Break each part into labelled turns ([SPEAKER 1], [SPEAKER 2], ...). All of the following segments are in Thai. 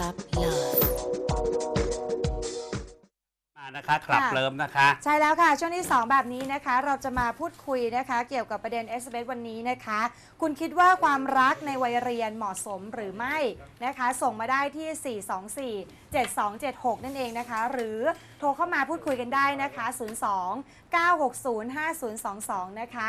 [SPEAKER 1] Club Love
[SPEAKER 2] นะคะคลับเลิฟนะคะ
[SPEAKER 3] ใช่แล้วค่ะช่วงที่2แบบนี้นะคะเราจะมาพูดคุยนะคะเกี่ยวกับประเด็น SMS วันนี้นะคะคุณคิดว่าความรักในวัยเรียนเหมาะสมหรือไม่นะคะส่งมาได้ที่ 4247276 นั่นเองนะคะหรือโทรเข้ามาพูดคุยกันได้นะคะ 02-960-5022 นะคะ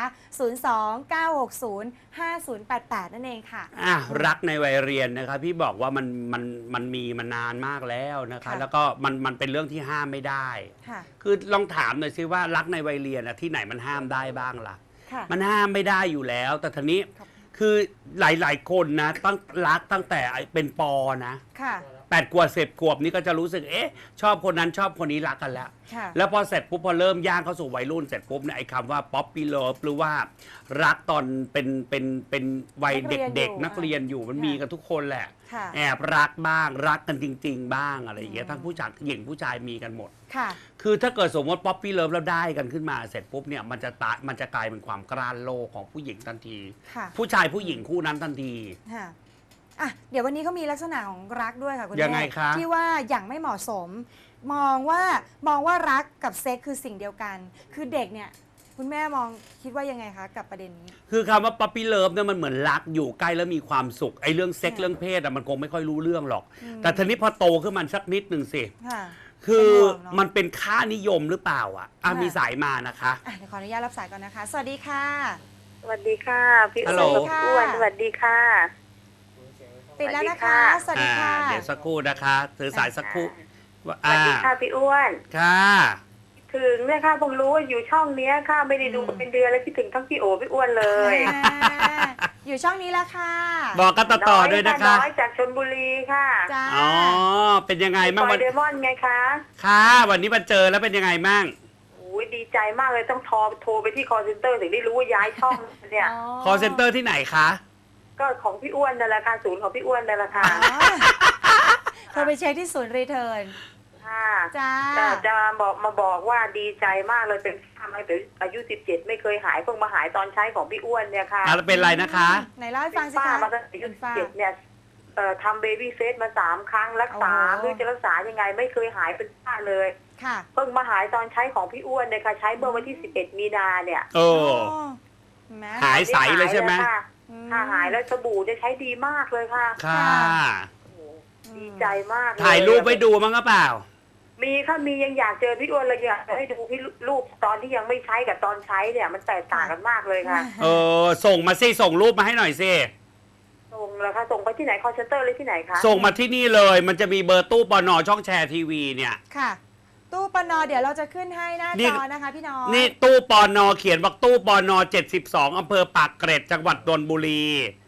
[SPEAKER 3] 02-960-5088 นั่นเองค่ะ
[SPEAKER 2] รักในวัยเรียนนะคะพี่บอกว่ามันมีมานานมากแล้วนะคะแล้วก็มันเป็นเรื่องที่ห้ามไม่ได้คือลองถามหน่อยซิว่ารักในวัยเรียนที่ไหนมันห้ามได้บ้างล่ะมันห้ามไม่ได้อยู่แล้วแต่ทีนี้คือหลายๆคนนะรักตั้งแต่เป็นป.นะ8 ขวบ10 ขวบนี่ก็จะรู้สึกชอบคนนั้นชอบคนนี้รักกันแล้วพอเสร็จปุ๊บพอเริ่มย่างเข้าสู่วัยรุ่นเสร็จปุ๊บเนี่ยไอ้คำว่าป๊อปปี้เลิฟหรือว่ารักตอนเป็นวัยเด็กๆนักเรียนอยู่มันมีกันทุกคนแหละแอบรักบ้างรักกันจริงๆบ้างอะไรอย่างเงี้ยทั้งผู้ชายหญิงผู้ชายมีกันหมดคือถ้าเกิดสมมติป๊อปปี้เลิฟแล้วได้กันขึ้นมาเสร็จปุ๊บเนี่ยมันจะกลายเป็นความกล้าโลกของผู้หญิงทันทีผู้ชายผู้หญิงคู่นั้นทันที
[SPEAKER 3] เดี๋ยววันนี้เขามีลักษณะของรักด้วยค่ะคุณแม่ที่ว่าอย่างไม่เหมาะสมมองว่ารักกับเซ็กคือสิ่งเดียวกันคือเด็กเนี่ยคุณแม่คิดว่ายังไงคะกับประเด็นนี้
[SPEAKER 2] คือคำว่าป๊อปปี้เลิฟเนี่ยมันเหมือนรักอยู่ใกล้แล้วมีความสุขไอ้เรื่องเซ็กเรื่องเพศมันคงไม่ค่อยรู้เรื่องหรอกแต่ทีนี้พอโตขึ้นมันสักนิดหนึ่งสิคือมันเป็นค่านิยมหรือเปล่ามีสายมานะคะ
[SPEAKER 3] เดี๋ยวขออนุญาตรับสายก่อนนะคะสวัสดีค่ะ
[SPEAKER 4] สวัสดีค่ะพี่อ้วนสวัสดีค่ะ
[SPEAKER 3] ติดแล้วนะคะสวัสดีค่ะ
[SPEAKER 2] เดี๋ยวสักครู่นะคะถือสายสักครู่
[SPEAKER 4] สวัสดีค่ะพี่อ้วน
[SPEAKER 2] ค่ะ
[SPEAKER 4] ถึงเนี่ยค่ะผมรู้ว่าอยู่ช่องนี้ค่ะไม่ได้ดูเป็นเดือนแล้วคิดถึงทั้งพี่โอพี่อ้วนเลย
[SPEAKER 3] อยู่ช่องนี้แล้วค่ะ
[SPEAKER 2] บอกกันต่อด้วยนะคะ
[SPEAKER 4] น้อยจากชลบุรีค่ะ
[SPEAKER 2] อ๋อเป็นยังไงบ้าง
[SPEAKER 4] วันเดมอนไงคะ
[SPEAKER 2] ค่ะวันนี้มาเจอแล้วเป็นยังไงบ้าง
[SPEAKER 4] ดีใจมากเลยต้องโทรไปที่คอลเซ็นเตอร์ถึงได้รู้ว่าย้ายช่องเนี่ย
[SPEAKER 2] คอลเซ็นเตอร์ที่ไหนคะ
[SPEAKER 4] ก็ของพี่อ้วนนั่นแหละค่ะศูนย์ของพี่อ้วนนั่นแหละค่ะ
[SPEAKER 3] โทรไปเช็คที่ศูนย์รีเทิร์น
[SPEAKER 4] ค่ะจะบอกว่าดีใจมากเลยเป็นทำให้อายุ17ไม่เคยหายเพิ่งมาหายตอนใช้ของพี่อ้วนเนี่ยค่ะ
[SPEAKER 2] แล้วเป็นไรนะคะ
[SPEAKER 3] ไหนเล่าให้ฟังสิคะ
[SPEAKER 4] มาตั้งแต่อายุ17เนี่ยทำเบบี้เฟสมา3 ครั้งรักษาไม่รู้จะรักษายังไงไม่เคยหายเป็นฝ้าเลยเพิ่งมาหายตอนใช้ของพี่อ้วนเนี่ยค่ะใช้เมื่อวันที่11 มีนาเนี่ย
[SPEAKER 2] หายใสเลยใช่ไหม
[SPEAKER 4] ถ้าหายแล้วสบู่จะใช้ดีมากเลยค่ะดีใจมาก
[SPEAKER 2] ถ่ายรูปไว้ดูมั้งหรือเปล่า
[SPEAKER 4] มีค่ะมียังอยากเจอพี่อ้วนเลยอยากให้ดูพี่รูปตอนที่ยังไม่ใช้กับตอนใช้เนี่ยมันแตกต่างกันมากเลยค่ะ
[SPEAKER 2] ส่งมาสิส่งรูปมาให้หน่อยสิ
[SPEAKER 4] ส่งแล้วค่ะส่งไปที่ไหนคอลเซ็นเตอร์เลยที่ไหนคะ
[SPEAKER 2] ส่งมาที่นี่เลยมันจะมีเบอร์ตู้ปน.ช่องแชร์ทีวีเนี่ย
[SPEAKER 3] ค่ะตู้ปน.เดี๋ยวเราจะขึ้นให้หน้าจอนะคะพี่น้อง
[SPEAKER 2] นี่ตู้ปน.เขียนว่าตู้ปน72อำเภอปากเกร็ดจังหวัดนนทบุรี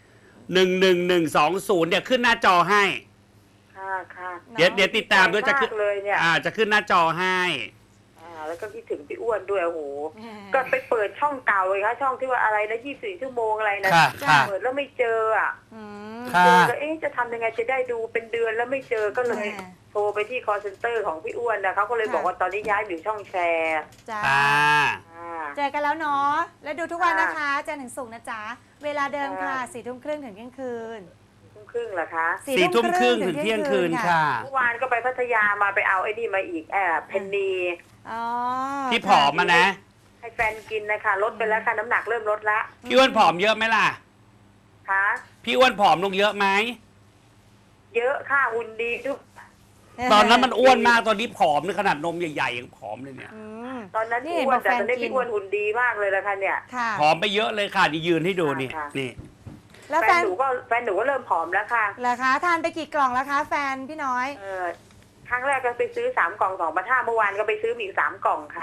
[SPEAKER 2] 11120เนี่ยขึ้นหน้าจอให้
[SPEAKER 4] ค่ะ
[SPEAKER 2] เดี๋ยวติดตามด้วยจะขึ้น
[SPEAKER 4] เลยเนี่ย
[SPEAKER 2] จะขึ้นหน้าจอให้
[SPEAKER 4] แล้วก็คิดถึงพี่อ้วนด้วยโอ้โหก็ไปเปิดช่องเก่าเลยค่ะช่องที่ว่าอะไรนะ24 ชั่วโมงอะไรนะเปิดแล้วไม่เจอเจอแล้วจะทำยังไงจะได้ดูเป็นเดือนแล้วไม่เจอก็เลยโทรไปที่คอลเซ็นเตอร์ของพี่อ้วนนะเขาก็เลยบอกว่าตอนนี้ย้ายอยู่ช่องแชร์
[SPEAKER 3] เจอกันแล้วเนาะแล้วดูทุกวันนะคะจันทร์ถึงศุกร์นะจ๊ะเวลาเดิมค่ะ4 ทุ่มครึ่งถึงเที่ยงคืน
[SPEAKER 4] ครึ่งเหรอคะ
[SPEAKER 2] 4 ทุ่มครึ่งถึงเที่ยงคืนค่ะ
[SPEAKER 4] เมื่อวานก็ไปพัทยามาไปเอาไอ้นี่มาอีกเพนนี
[SPEAKER 2] ที่ผอมมานะ
[SPEAKER 4] ให้แฟนกินนะคะลดไปแล้วค่ะน้ำหนักเริ่มลดละ
[SPEAKER 2] พี่อ้วนผอมเยอะไหมล่ะ
[SPEAKER 4] คะ
[SPEAKER 2] พี่อ้วนผอมลงเยอะไหม
[SPEAKER 4] เยอะค่ะหุ่นดีทุก
[SPEAKER 2] ตอนนั้นมันอ้วนมากตอนนี้ผอมในขนาดนมใหญ่ๆยังผอมเลยเนี่ย
[SPEAKER 4] ตอนนั้นอ้วนแต่ตอนนี้พี่อ้วนหุ่นดีมากเลยละค่ะเนี่ย
[SPEAKER 2] ผอมไปเยอะเลยค่ะนี่ยืนให้ดูนี่
[SPEAKER 3] แล้ว
[SPEAKER 4] แฟนหนูก็เริ่มผอมแล้วค่ะ
[SPEAKER 3] เหรอคะทานไปกี่กล่องแล้วคะแฟนพี่น้อย
[SPEAKER 4] ครั้งแรกก็ไปซื้อ3 กล่อง2,500เมื่อวานก็ไปซื้ออีก3 กล่องค่ะ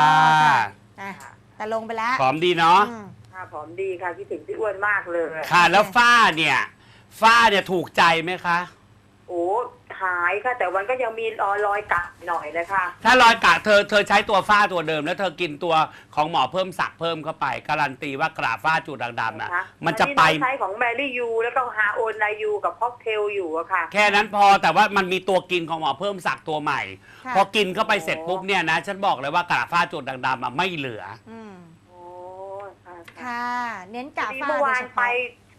[SPEAKER 3] แต่ลงไปแล้ว
[SPEAKER 2] ผอมดีเนาะ
[SPEAKER 4] ค่ะผอมดีค่ะคิดถึงพี่อ้วนมากเลย
[SPEAKER 2] ค่ะแล้วฝ้าเนี่ยถูกใจไหมคะ
[SPEAKER 4] โอ้หายค่ะแต่มันก็ยังมีรอยกะหน่อยเลยค่ะ
[SPEAKER 2] ถ้ารอยกะเธอใช้ตัวฝ้าตัวเดิมแล้วเธอกินตัวของหมอเพิ่มศักดิ์เพิ่มเข้าไปการันตีว่ากระฝ้าจุดด่างๆนะมันจะไป
[SPEAKER 4] ใช้ของแมรี่ยูแล้วก็ฮาโอนไนยูกับพ็อกเทลอยู่อะค่ะ
[SPEAKER 2] แค่นั้นพอแต่ว่ามันมีตัวกินของหมอเพิ่มศักดิ์ตัวใหม่พอกินเข้าไปเสร็จปุ๊บเนี่ยนะฉันบอกเลยว่ากระฝ้าจุดด่างๆไม่เหลือ
[SPEAKER 3] ค่ะเน้นกะฝ้า
[SPEAKER 4] เมื่อวานไป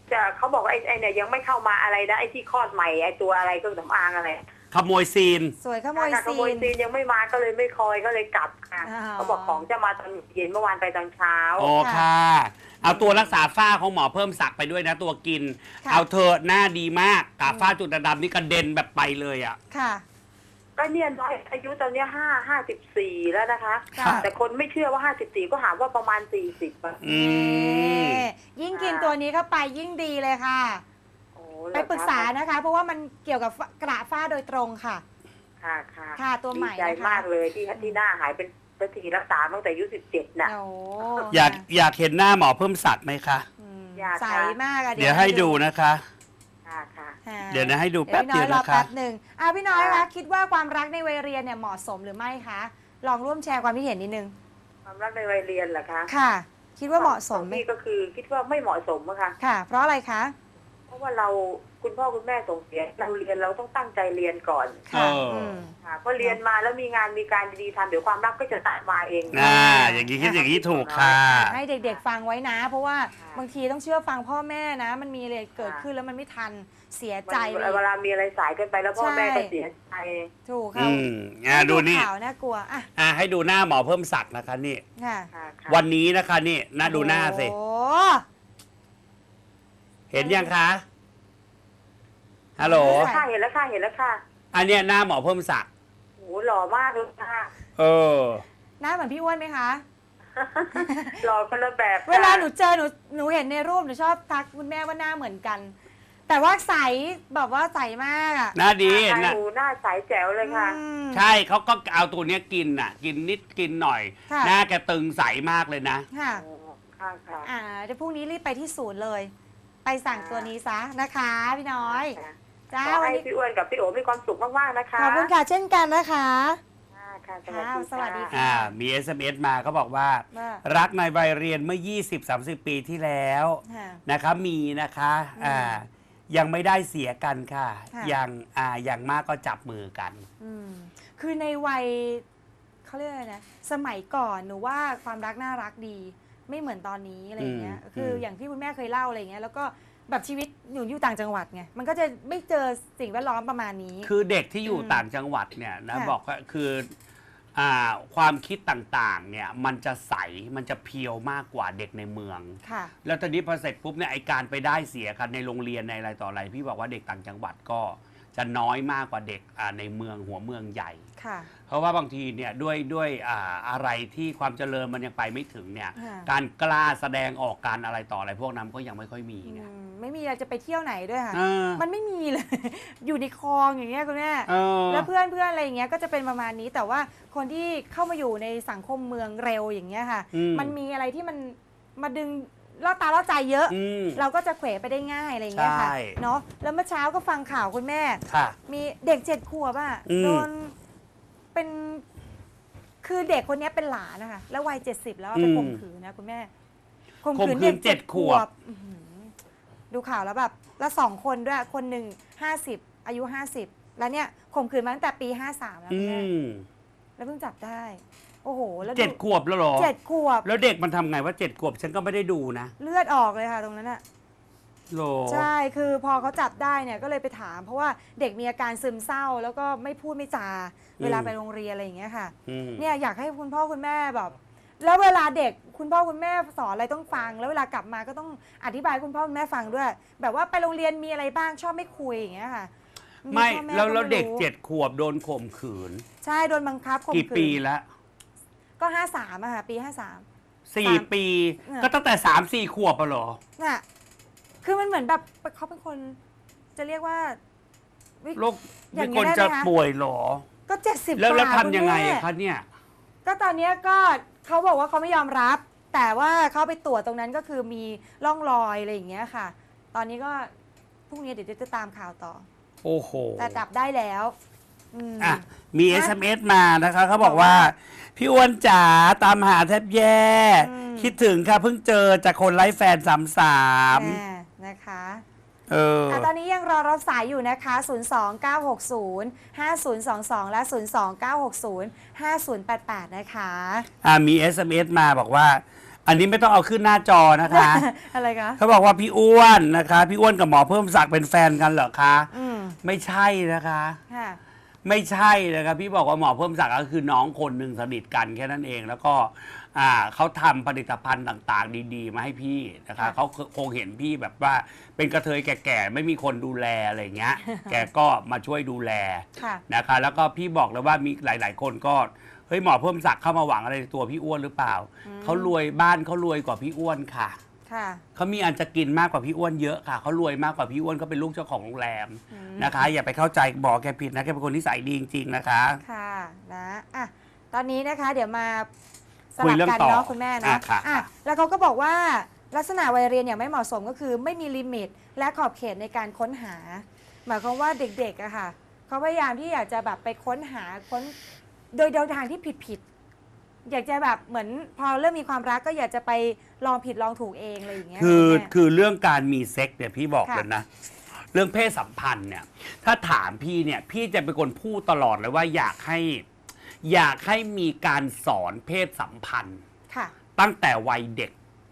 [SPEAKER 4] จะเขาบอกว่าไอ้เนี่ยยังไม่เข้ามาอะไรนะไอ้ที่คลอดใหม่ไอ้ตัวอะไรเครื่องสำอางอะไร
[SPEAKER 2] ขโมยซีน
[SPEAKER 3] สวยขโมย
[SPEAKER 4] ขโมยซีนยังไม่มาก็เลยไม่คอยก็เลยกลับค่ะเขาบอกของจะมาตอนเย็นเมื่อวานไปตอนเช้า
[SPEAKER 2] โอ้ค่ะ เอาตัวรักษาฝ้าของหมอเพิ่มศักดิ์ไปด้วยนะตัวกิน
[SPEAKER 3] ค่ะ
[SPEAKER 2] เอาเธอหน้าดีมากกาฝ้าจุดดำๆนี่กระเด็นแบบไปเลยอ่ะ
[SPEAKER 3] ค่ะ
[SPEAKER 4] ก็เนี่ยน้อยอายุตอนเนี้ย54แล้วนะคะ
[SPEAKER 3] ค่ะ
[SPEAKER 4] แต่คนไม่เชื่อว่า54ก็หาว่าประมาณ40อ่ะ
[SPEAKER 2] อืม
[SPEAKER 3] ยิ่งกินตัวนี้เข้าไปยิ่งดีเลยค่ะ
[SPEAKER 4] โอ้
[SPEAKER 3] ไปปรึกษานะคะ เพราะว่ามันเกี่ยวกับกระฝ้าโดยตรงค่ะ
[SPEAKER 4] ค่ะค่ะ
[SPEAKER 3] ค่ะตัวใหม่
[SPEAKER 4] ดีใจ
[SPEAKER 3] นะคะ
[SPEAKER 4] มากเลยที่หน้าหายเป็นทีรักษาตั้งแต่อายุ17น่ะ
[SPEAKER 3] โอ้
[SPEAKER 2] อยากเห็นหน้าหมอเพิ่มศักดิ์ไหมคะ
[SPEAKER 4] อยากค่ะ
[SPEAKER 3] ใสมากอะ
[SPEAKER 2] เดี๋ยวให้ดูนะคะ
[SPEAKER 4] ค่ะค่ะ
[SPEAKER 3] ค่ะ
[SPEAKER 2] เดี๋ยวนะให้ดู
[SPEAKER 3] เดี๋
[SPEAKER 2] แป๊
[SPEAKER 3] ยว
[SPEAKER 2] บ
[SPEAKER 3] พี่น้
[SPEAKER 2] เดี
[SPEAKER 3] อย ยว รอ
[SPEAKER 2] นะคะ
[SPEAKER 3] แป๊บหนึ่งพี่น้อยคะคิดว่าความรักในวัยเรียนเนี่ยเหมาะสมหรือไม่คะ ลองร่วมแชร์ความคิดเห็นนิดนึง
[SPEAKER 4] ความรักในวัยเรียนเหรอคะ
[SPEAKER 3] ค่ะ คิดว่าเหมาะสมไหม
[SPEAKER 4] นี่ก็คือคิดว่าไม่เหมาะสมอะค่ะ
[SPEAKER 3] ค่ะ เพราะอะไรคะ
[SPEAKER 4] เพราะว่าเราคุณพ่อคุณแม่ส่งเสียเราเรียนเราต้องตั้งใจเรียนก่อน
[SPEAKER 3] ค่ะ
[SPEAKER 2] ม
[SPEAKER 4] ค่ะพอเรียนมาแล้วมีงานมีการดีๆทำเดี๋ยวความรักก็จะตามมาเอง
[SPEAKER 2] อย่างนี้คิดอย่างนี้ถูกค่ะ
[SPEAKER 3] ให้เด็กๆฟังไว้นะ เพราะว่า
[SPEAKER 4] ค่ะ
[SPEAKER 3] บางทีต้องเชื่อฟังพ่อแม่นะ มันมีอะไรเกิดขึ้นแล้วมันไม่ทันเสียใจไป
[SPEAKER 4] เวลามีอะไรสายเกินไปแล้วพ่อแม่ก็เสียใจ
[SPEAKER 3] ถูก
[SPEAKER 2] อื
[SPEAKER 3] ค่ะ
[SPEAKER 2] มดูนี่
[SPEAKER 3] ข่าวน่ากลัวอ่ะ
[SPEAKER 2] ให้ดูหน้าหมอเพิ่มศักดิ์นะคะนี่
[SPEAKER 3] ค่ะ
[SPEAKER 4] ค่ะค่ะ
[SPEAKER 2] วันนี้นะคะนี่น่าดูหน้าสิ
[SPEAKER 3] โอ้
[SPEAKER 2] เห็นยังคะฮัลโหล
[SPEAKER 4] ค่ะเห็นแล้วค่ะเห็นแล้วค่ะ
[SPEAKER 2] อันเนี้ยหน้าหมอเพิ่มศักดิ์
[SPEAKER 4] โหหล่อมากเลยค่ะ
[SPEAKER 2] เออ
[SPEAKER 3] หน้าเหมือนพี่อ้วนไหมคะ
[SPEAKER 4] หล่อคนละแบบค่ะ
[SPEAKER 3] เวลาหนูเจอหนูเห็นในรูปหนูชอบทักคุณแม่ว่าหน้าเหมือนกัน แต่ว่าใสแบบว่าใสมากอ่ะ
[SPEAKER 2] หน้าดี
[SPEAKER 4] ค่ะ
[SPEAKER 2] นะ
[SPEAKER 4] หนูหน้าใสแจ๋วเลยค่ะ
[SPEAKER 3] อืม
[SPEAKER 2] ใช่เขาก็เอาตัวเนี้ยกินน่ะ กินนิดกินหน่อย
[SPEAKER 3] ค่ะ
[SPEAKER 2] หน้าแกตึงใสมากเลยนะ
[SPEAKER 3] ค่ะ
[SPEAKER 4] โอ้ค่ะค่ะ
[SPEAKER 3] เดี๋ยวพรุ่งนี้รีบไปที่ศูนย์เลย ไปสั่งตัวนี้ซะนะคะ พี่น้อย
[SPEAKER 4] ค่ะ
[SPEAKER 3] จ้า
[SPEAKER 4] ขอ
[SPEAKER 3] วัน
[SPEAKER 4] ให้
[SPEAKER 3] นี้
[SPEAKER 4] พี่อ้วนกับพี่โอ๋มีความสุขมากๆนะคะ
[SPEAKER 3] ขอบคุณค่ะเช่นกันนะคะ
[SPEAKER 4] ค่ะค่ะ
[SPEAKER 3] สวัสดี
[SPEAKER 4] ค่ะ
[SPEAKER 3] ค่ะ
[SPEAKER 2] มี SMS มาเขาบอกว่า
[SPEAKER 3] ว่า
[SPEAKER 2] รักในวัยเรียนเมื่อ 20-30 ปีที่แล้ว
[SPEAKER 3] ค่ะ
[SPEAKER 2] นะคะมีนะคะยังไม่ได้เสียกันค่ะ
[SPEAKER 3] ค่ะ
[SPEAKER 2] อย่างมากก็จับมือกัน
[SPEAKER 3] คือในวัยเขาเรียกอะไรนะสมัยก่อนหนูว่าความรักน่ารักดี ไม่เหมือนตอนนี้อะไรอย่างเงี้ย คืออย่างที่คุณแม่เคยเล่าอะไรอย่างเงี้ยแล้วก็แบบชีวิตหนูอยู่ต่างจังหวัดไงมันก็จะไม่เจอสิ่งแวดล้อมประมาณนี้
[SPEAKER 2] คือเด็กที่อยู่ต่างจังหวัดเนี่ยนะ
[SPEAKER 3] ค่ะ
[SPEAKER 2] บอกว่าคือความคิดต่างๆเนี่ยมันจะใสมันจะเพียวมากกว่าเด็กในเมือง
[SPEAKER 3] ค่ะ
[SPEAKER 2] แล้วตอนนี้พอเสร็จปุ๊บเนี่ยไอการไปได้เสียกันในโรงเรียนในอะไรต่ออะไร พี่บอกว่าเด็กต่างจังหวัดก็จะน้อยมากกว่าเด็กในเมืองหัวเมืองใหญ่
[SPEAKER 3] ค่ะ
[SPEAKER 2] เพราะว่าบางทีเนี่ยด้วยอะไรที่ความเจริญมันยังไปไม่ถึงเนี่ย
[SPEAKER 3] ค่ะ
[SPEAKER 2] การกล้าแสดงออกการอะไรต่ออะไรพวกนั้นก็ยังไม่ค่อยมีไง
[SPEAKER 3] ไม่มีอะไรจะไปเที่ยวไหนด้วยค่ะ
[SPEAKER 2] เออ
[SPEAKER 3] มันไม่มีเลย อยู่ในคลองอย่างเงี้ยคุณแม่
[SPEAKER 2] เออ
[SPEAKER 3] แล้วเพื่อนอะไรอย่างเงี้ยก็จะเป็นประมาณนี้ แต่ว่าคนที่เข้ามาอยู่ในสังคมเมืองเร็วอย่างเงี้ยค่ะ มันมีอะไรที่มันมาดึงล่อตาล่อใจเยอะ เราก็จะเขวไปได้ง่ายอะไรอย่างเงี้ยค่ะ
[SPEAKER 2] ใช่
[SPEAKER 3] เนาะแล้วเมื่อเช้าก็ฟังข่าวคุณแม่
[SPEAKER 2] ค่ะ
[SPEAKER 3] มีเด็ก7 ขวบอ่ะ โดนเป็นคือเด็กคนนี้เป็นหลานนะคะแล้ววัย70แล้วอะไปข่มขืนนะคุณแม่
[SPEAKER 2] ข่มขืน7 ขวบ
[SPEAKER 3] อื้อหือดูข่าวแล้วแบบแล้ว2 คนด้วยคนหนึ่ง50อายุ50แล้วเนี่ยข่มขืนมาตั้งแต่ปี53แล้ว
[SPEAKER 2] อื
[SPEAKER 3] คุณแม่
[SPEAKER 2] ม
[SPEAKER 3] แล้วเพิ่งจับได้ โอ้โหแล้วดู
[SPEAKER 2] 7 ขวบแล้วเหรอ
[SPEAKER 3] 7 ขวบ
[SPEAKER 2] แล้วเด็กมันทำไงว่า7 ขวบฉันก็ไม่ได้ดูนะ
[SPEAKER 3] เลือดออกเลยค่ะตรงนั้นอ่ะ
[SPEAKER 2] โหร
[SPEAKER 3] ใช่คือพอเขาจับได้เนี่ยก็เลยไปถาม เพราะว่าเด็กมีอาการซึมเศร้า แล้วก็ไม่พูดไม่จาเวลาไปโรงเรียนอะไรอย่างเงี้ยค่ะ เนี่ยอยากให้คุณพ่อคุณแม่แบบ แล้วเวลาเด็กคุณพ่อคุณแม่สอนอะไรต้องฟัง แล้วเวลากลับมาก็ต้องอธิบายให้คุณพ่อคุณแม่ฟังด้วย แบบว่าไปโรงเรียนมีอะไรบ้างชอบไม่คุยอย่างเงี้ยค่ะ
[SPEAKER 2] ไม่
[SPEAKER 3] พ่อม่
[SPEAKER 2] แล้วเด็ก
[SPEAKER 3] รู้
[SPEAKER 2] 7 ขวบโดนข่มขืน
[SPEAKER 3] ใช่โดนบังคับข่ม
[SPEAKER 2] กี่
[SPEAKER 3] ขืน
[SPEAKER 2] ปีแล้ว
[SPEAKER 3] ก็53อะค่ะปี53
[SPEAKER 2] 4 ปี
[SPEAKER 3] เนี่ย
[SPEAKER 2] ก็ตั้งแต่3-4 ขวบอะเหรอ
[SPEAKER 3] น่ะคือมันเหมือนแบบเขาเป็นคน จะเรียกว่า
[SPEAKER 2] โรค
[SPEAKER 3] อย่า
[SPEAKER 2] มี
[SPEAKER 3] งนี้
[SPEAKER 2] คน
[SPEAKER 3] ได้ไหม
[SPEAKER 2] จะ
[SPEAKER 3] คะ
[SPEAKER 2] ป่วยเหรอ
[SPEAKER 3] ก็70
[SPEAKER 2] แล้ว
[SPEAKER 3] กว่า
[SPEAKER 2] ทำยังไง
[SPEAKER 3] ณแม่
[SPEAKER 2] อะคะเนี่ย
[SPEAKER 3] ก็ตอนเนี้ยก็เขาบอกว่าเขาไม่ยอมรับ แต่ว่าเขาไปตรวจตรงนั้นก็คือมีร่องรอยอะไรอย่างเงี้ยค่ะ ตอนนี้ก็พรุ่งนี้เดี๋ยวจะตามข่าวต่อ
[SPEAKER 2] โอ้โห
[SPEAKER 3] แต่จับได้แล้ว
[SPEAKER 2] อ่ะมี SMS มานะคะเขาบอกว่า พี่อ้วนจ๋าตามหาแทบแย่ คิดถึงค่ะเพิ่งเจอจากคนไร้แฟน
[SPEAKER 3] นะคะ ตอนนี้ยังรอรับสายอยู่นะคะ 029605022 และ 029605088 นะคะ
[SPEAKER 2] มี SMS มาบอกว่าอันนี้ไม่ต้องเอาขึ้นหน้าจอนะคะ
[SPEAKER 3] อะไรคะ
[SPEAKER 2] เขาบอกว่าพี่อ้วนนะคะพี่อ้วนกับหมอเพิ่มศักดิ์เป็นแฟนกันเหรอคะไม่ใช่นะคะไม่ใช่นะครับพี่บอกว่าหมอเพิ่มศักดิ์ก็คือน้องคนหนึ่งสนิทกันแค่นั้นเองแล้วก็เขาทำผลิตภัณฑ์ต่างๆดีๆมาให้พี่นะคะเขาคงเห็นพี่แบบว่าเป็นกระเทยแก่ๆไม่มีคนดูแลอะไรเงี้ย แกก็มาช่วยดูแลนะคะแล้วก็พี่บอกเลยว่ามีหลายๆคนก็เฮ้ยหมอเพิ่มศักดิ์เข้ามาหวังอะไรในตัวพี่อ้วนหรือเปล่าเขารวยบ้านเขารวยกว่าพี่อ้วนค่ะเขามีอันจะกินมากกว่าพี่อ้วนเยอะค่ะเขารวยมากกว่าพี่อ้วนเขาเป็นลูกเจ้าของโรงแรมนะคะอย่าไปเข้าใจบอกแกผิดนะแกเป็นคนนิสัยดีจริงๆนะคะ
[SPEAKER 3] ค่ะนะตอนนี้นะคะเดี๋ยวมาสลับกันเนาะคุณแม่นะแล้วเขาก็บอกว่าลักษณะวัยเรียนอย่างไม่เหมาะสมก็คือไม่มีลิมิตและขอบเขตในการค้นหาหมายความว่าเด็กๆอะค่ะเขาพยายามที่อยากจะแบบไปค้นหาโดยทางที่ผิดอยากจะแบบเหมือนพอเริ่มมีความรักก็อยากจะไปลองผิดลองถูกเองอะไรอย่างเงี้ย
[SPEAKER 2] คือเรื่องการมีเซ็กเนี่ยพี่บอกเลยนะเรื่องเพศสัมพันธ์เนี่ยถ้าถามพี่เนี่ยพี่จะเป็นคนพูดตลอดเลยว่าอยากให้มีการสอนเพศสัมพันธ์ตั้งแต่วัยเด็ก